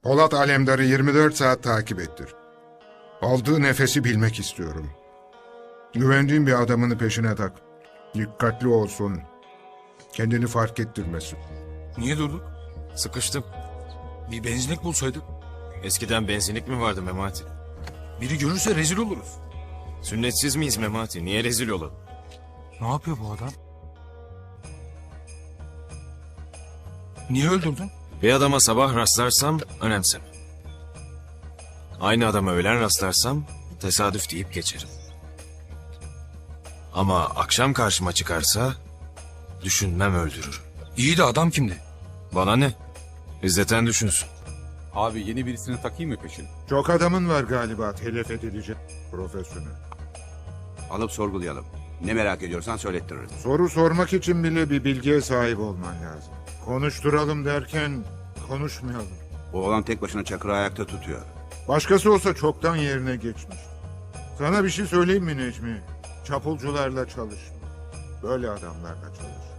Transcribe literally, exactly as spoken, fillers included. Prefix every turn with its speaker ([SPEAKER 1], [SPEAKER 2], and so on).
[SPEAKER 1] Polat Alemdar'ı yirmi dört saat takip ettir. Aldığı nefesi bilmek istiyorum. Güvendiğin bir adamını peşine tak. Dikkatli olsun. Kendini fark ettirmesin.
[SPEAKER 2] Niye durduk?
[SPEAKER 3] Sıkıştım.
[SPEAKER 2] Bir benzinlik bulsaydık.
[SPEAKER 3] Eskiden benzinlik mi vardı Memati?
[SPEAKER 2] Biri görürse rezil oluruz.
[SPEAKER 3] Sünnetsiz miyiz Memati? Niye rezil olalım?
[SPEAKER 2] Ne yapıyor bu adam? Niye öldürdün?
[SPEAKER 3] Bir adama sabah rastlarsam önemsem. Aynı adama öğlen rastlarsam tesadüf deyip geçerim. Ama akşam karşıma çıkarsa düşünmem öldürürüm.
[SPEAKER 2] İyi de adam kimdi?
[SPEAKER 3] Bana ne? İzzeten düşünsün.
[SPEAKER 4] Abi yeni birisini takayım mı peşine?
[SPEAKER 1] Çok adamın var galiba telef edilecek profesyonel.
[SPEAKER 5] Alıp sorgulayalım. Ne merak ediyorsan söylettiririz.
[SPEAKER 1] Soru sormak için bile bir bilgiye sahip olman lazım. Konuşturalım derken konuşmayalım.
[SPEAKER 5] O olan tek başına Çakır'ı ayakta tutuyor.
[SPEAKER 1] Başkası olsa çoktan yerine geçmiş. Sana bir şey söyleyeyim mi Necmi? Çapulcularla çalışma. Böyle adamlarla çalış.